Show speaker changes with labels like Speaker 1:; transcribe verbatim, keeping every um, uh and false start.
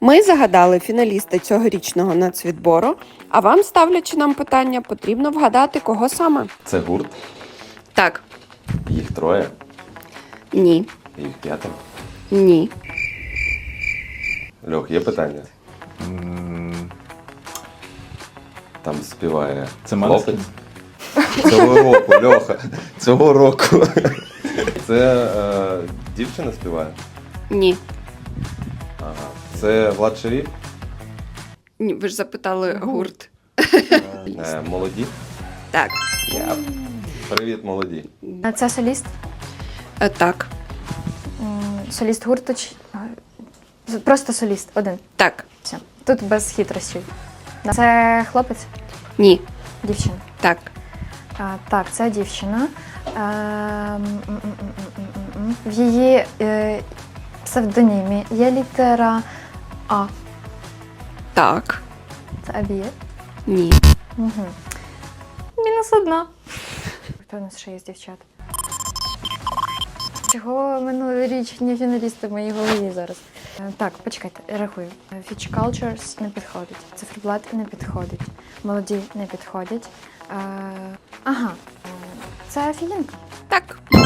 Speaker 1: Ми загадали фіналіста цьогорічного нацвідбору, а вам, ставлячи нам питання, потрібно вгадати, кого саме.
Speaker 2: Це гурт,
Speaker 1: Так.
Speaker 2: їх троє,
Speaker 1: Ні.
Speaker 2: їх п'ятеро.
Speaker 1: Ні.
Speaker 2: Льох, є питання? Там співає
Speaker 3: Це
Speaker 2: хлопець.
Speaker 3: Måneskin?
Speaker 2: Цього року, Льоха. Цього року. Це е, дівчина співає?
Speaker 1: Ні.
Speaker 2: Ага. Це Влад Шеріф?
Speaker 1: Ні, ви ж запитали гурт.
Speaker 2: Е, молоді?
Speaker 1: Так.
Speaker 2: Я. Привіт, молоді.
Speaker 4: Це соліст?
Speaker 1: Е, Так.
Speaker 4: М, Соліст гурту чи... е, Просто соліст, один.
Speaker 1: Так.
Speaker 4: Все. Тут без хитрощів. Це хлопець?
Speaker 1: Ні.
Speaker 4: Дівчина.
Speaker 1: Так.
Speaker 4: А, так, це дівчина. Ем, м, м, м, м, м, м. В її е, псевдонімі є літера А.
Speaker 1: Так.
Speaker 4: Це Абіє?
Speaker 1: Ні.
Speaker 4: Угу. Мінус одна. Хто у нас ще є з дівчат? Чого минулорічні фіналісти в моїй голові зараз? Е, Так, почекайте, рахую. Future Cultures не підходить. Циферблат не підходить. Молоді не підходять. Е, Ага. Е, Це Фієнка.
Speaker 1: Так.